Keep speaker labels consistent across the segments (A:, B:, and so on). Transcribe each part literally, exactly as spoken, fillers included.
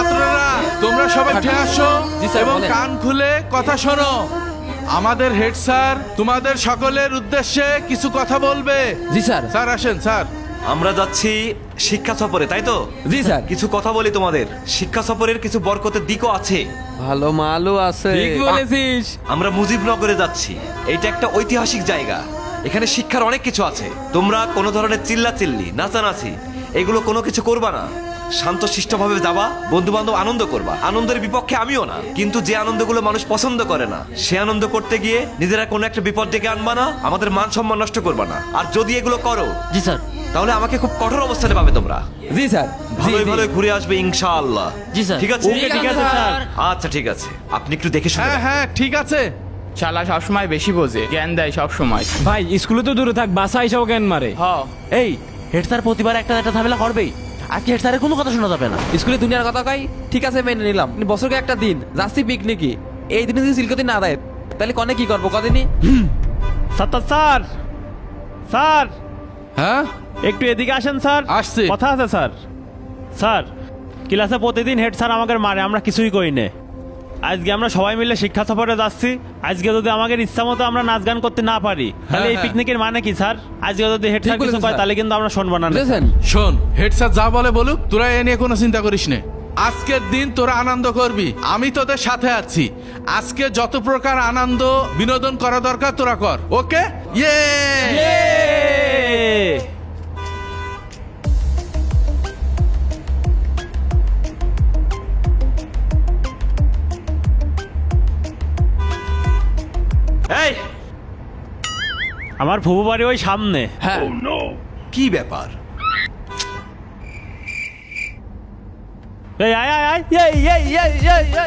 A: ছাত্ররা তোমরা সবাই উঠে আসো এবং কান খুলে কথা শোনো। আমাদের হেড স্যার তোমাদের সকলের উদ্দেশ্যে কিছু কথা বলবে।
B: জি স্যার।
A: স্যার আসেন স্যার।
C: আমরা যাচ্ছি শিক্ষা সফরে, তাই তো?
B: জি স্যার।
C: কিছু কথা বলি তোমাদের। শিক্ষা সফরের কিছু বরকতের দিকও আছে।
B: ভালো মালও আছে।
D: ঠিক বলেছিস।
C: আমরা মুজিবনগরে যাচ্ছি। এইটা একটা ঐতিহাসিক জায়গা। এখানে শিক্ষার অনেক কিছু আছে। তোমরা কোনো ধরনের চিল্লাচিল্লি, নাচানাচি এগুলো কোনো কিছু করবা না। শান্তশিষ্টভাবে যাবা, বন্ধু বান্ধব আনন্দ করবা। আনন্দের বিপক্ষে আমিও না, কিন্তু যে আনন্দগুলো মানুষ পছন্দ করে না সে আনন্দ করতে গিয়ে নিজেরা কোনো একটা বিপদ ডেকে আনবা না, আমাদের মান সম্মান নষ্ট করবা না। আর যদি এগুলো করো
B: জি স্যার।
C: তাহলে আমাকে খুব কঠোর অবস্থানে পাবে তোমরা।
D: জি স্যার।
C: ভালোই ভালোই ঘুরে আসবে ইনশাআল্লাহ।
B: জি স্যার।
C: ঠিক আছে?
D: ওকে, ঠিক আছে স্যার।
C: আচ্ছা ঠিক আছে, আপনি একটু দেখে শুনে
A: হ্যাঁ হ্যাঁ ঠিক আছে।
E: শালা সবসময় বেশি বোঝে, জ্ঞান দেয় সব সময়।
D: ভাই স্কুলে তো দূরে থাক, বাসা এসেও জ্ঞান মারে।
E: হ
B: এই হেড স্যার প্রতিবার একটা একটা ঝামেলা করবেই। আজকে হেড স্যারের কোনো কথা শোনা যাবে না। স্কুলে দুনিয়ার কথা কই, ঠিক আছে মেনে নিলাম। বছরকে একটা দিন যাচ্ছি পিকনিকি, এই দিনে যদি সিলকতি না দেয় তাহলে কনে কি করবো কদিনই।
F: সাত্তার স্যার, স্যার
A: হ্যাঁ
F: একটু এদিকে আসেন স্যার।
A: আসছি।
F: কথা আছে স্যার। স্যার ক্লাসে প্রতিদিন হেড স্যার আমাকে মারে, আমরা কিছুই করি না। আজকে আমরা সবাই মিলে শিক্ষা সফরে যাচ্ছি। আজকে যদি আমাদের ইচ্ছা মতো আমরা নাচ গান করতে না পারি তাহলে এই
A: হ্যাঁ।
F: পিকনিকের মানে কি স্যার? আজকে যদি হেড স্যার
B: ঠিক
F: কিছু
B: বলেছেন,
F: কয়
B: স্যার।
F: তাহলে কিন্তু আমরা শুনবো না।
B: বুঝেছেন?
A: শোন, হেড স্যার যা বলে বলুক, তোরা এ নিয়ে কোনো চিন্তা করিস না। আজকের দিন তোরা আনন্দ করবি, আমি তোদের সাথে আছি। আজকে যত প্রকার আনন্দ বিনোদন করা দরকার তোরা কর, ওকে? ইয়ে
C: এই
F: আমার ফুবু বাড়ি ওই সামনে।
B: হ্যাঁ
C: কি ব্যাপার?
F: এই আয় আয় আয় এই এই এই এই এই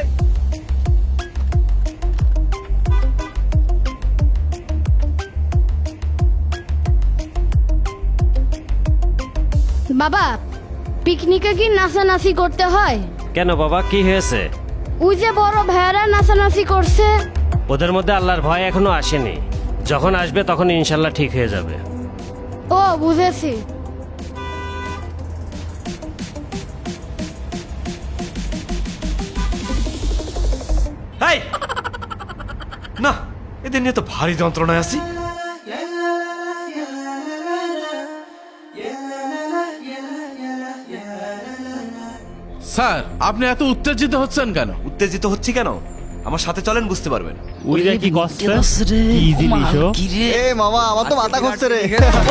G: বাবা, পিকনিকে কি নাচানাচি করতে হয়?
H: কেন বাবা, কি হয়েছে?
G: ওই যে বড় ভাইয়ারা নাচানাচি করছে।
H: ওদের মধ্যে আল্লাহর ভয় এখনো আসেনি, যখন আসবে তখন ইনশাল্লাহ ঠিক হয়ে যাবে।
G: ও বুঝেছি।
C: এই না, এদের নিয়ে তো ভারী যন্ত্রণায় আছি।
A: স্যার, আপনি এত উত্তেজিত হচ্ছেন কেন?
C: উত্তেজিত হচ্ছি কেন? আমার সাথে চলেন, বুঝতে পারবেন।
F: ওইটা কি করছে? কি জিনিস ও?
I: এ মামা, আমার তো মাথা ঘুরছে রে।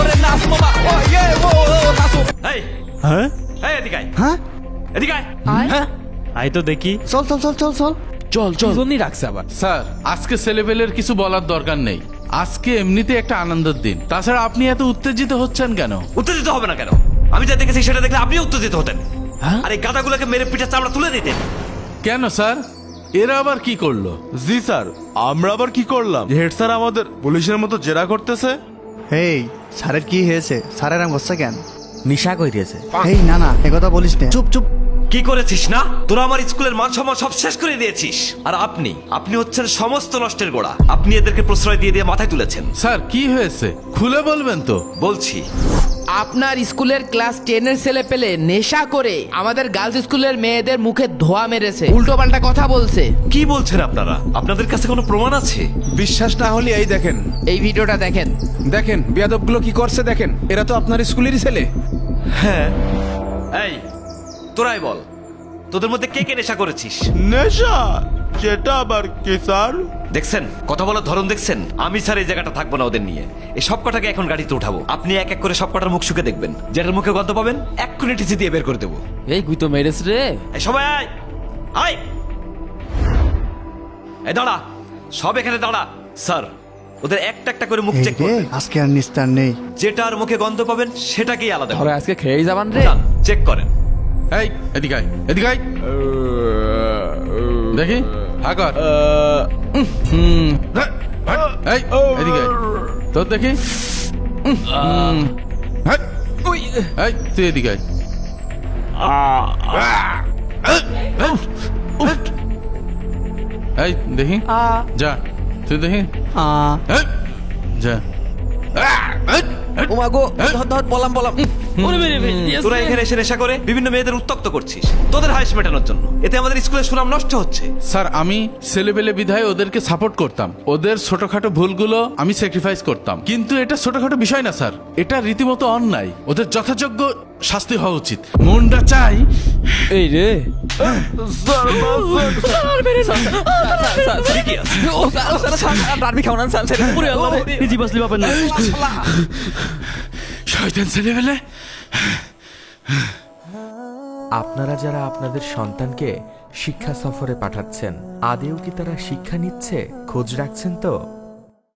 C: এই
F: হ্যাঁ
C: এই এদিকে আয়,
I: হ্যাঁ
C: এদিকে আয়।
B: হ্যাঁ
F: আই তো দেখি।
I: চল চল চল চল চল।
B: চল চল জন্যই রাখছে আবার।
A: স্যার, আজকে ছেলেপেলের কিছু বলার দরকার নেই। আজকে এমনিতে একটা আনন্দের দিন। তাছাড়া আপনি এত উত্তেজিত হচ্ছেন কেন?
C: উত্তেজিত হবে না কেন? আমি যা দেখেছি সেটা দেখলে আপনি উত্তেজিত হতেন। আর এই গাদাগুলোকে মেরে পিঠে চামড়া তুলে দিতেন।
A: কেন স্যার, এরা আবার কি করলো?
J: জি স্যার, আমরা আবার কি করলাম? হেড স্যার আমাদের পুলিশের মতো জেরা করতেছে।
I: এই স্যারের কি হয়েছে? স্যারের আম করছে কেন?
B: নিশা কইরিয়েছে।
I: এই না না, একথা বলিস না। চুপ চুপ।
C: কি করেছিস না? তোরা আমার স্কুলের মান সম্মান সব শেষ করে দিয়েছিস। আর আপনি আপনি হচ্ছেন সমস্ত নষ্টের গোড়া। আপনি এদেরকে প্রশ্রয় দিয়ে দিয়ে মাথায় তুলেছেন।
A: স্যার কি হয়েছে খুলে বলবেন তো?
C: বলছি,
D: আপনার স্কুলের ক্লাস টেনের ছেলে পেলে নেশা করে আমাদের গার্লস স্কুলের মেয়েদের মুখে ধোয়া মেরেছে, উল্টো পাল্টা কথা বলছে।
C: কি বলছেন আপনারা? আপনাদের কাছে কোনো প্রমাণ আছে?
J: বিশ্বাস না হলে এই দেখেন,
D: এই ভিডিওটা দেখেন।
J: দেখেন বিয়াদবগুলো কি করছে দেখেন। এরা তো আপনার স্কুলেরই ছেলে।
C: হ্যাঁ। এই তোরাই বল, তোদের মধ্যে কে কে নেশা করেছিস?
J: নেশা? সেটা আবার কি স্যার?
C: দেখছেন কথা বলার ধরন দেখছেন? আমি স্যার এই জায়গাটা থাকবো না ওদের নিয়ে। এই সব কটাকে এখন গাড়িতে উঠাবো। আপনি এক এক করে সব কটার মুখ শুকে দেখবেন। যেটার মুখে গন্ধ পাবেন এক্ষুনি টিসি দিয়ে বের করে দেবো।
B: এই গুই তো মেরেছ রে।
C: এই সবাই আয় আয়, এই দাঁড়া, সব এখানে দাঁড়া। স্যার, ওদের একটা একটা করে মুখ
I: এই
C: চেক
I: রে,
C: করবেন।
I: আজকে আর নিস্তার নেই।
C: যেটার মুখে গন্ধ পাবেন সেটাকেই আলাদা
B: ধরে
C: করবেন।
B: আজকে খেয়েই যাবান রে।
C: যান, চেক করেন।
A: এই এদিকে আয়, এদিকে আয়। দেখি হা কর। হুম, হ্যাঁ, হ্যাঁ, এই এদিকে আয়। তোর দেখি। হুম, হ্যাঁ, এই তুই এদিকে আয়। এই দেখি, যা তুই দেখি।
I: আ
A: এই, যা।
B: ও মা গো, ধর ধর পলাম পলাম।
C: তোরা এখানে এসে নেশা করে বিভিন্ন মেয়েদের উত্তক্ত করছিস তোদের হাইস মেটানোর জন্য। এতে আমাদের স্কুলের সুনাম নষ্ট হচ্ছে।
A: স্যার আমি ছেলেবেলে বিধায় ওদেরকে সাপোর্ট করতাম, ওদের ছোটখাটো ভুলগুলো আমি স্যাক্রিফাইস করতাম, কিন্তু এটা ছোটখাটো বিষয় না স্যার, এটা রীতিমতো অন্যায়, ওদের যথাযোগ্য শাস্তি হওয়া উচিত। মনটা চাই
B: এই রে
A: শয়তান ছেলেবেলে।
K: আপনারা যারা আপনাদের সন্তানকে শিক্ষা সফরে পাঠাচ্ছেন, আদেও কি তারা শিক্ষা নিচ্ছে? খোঁজ রাখছেন তো?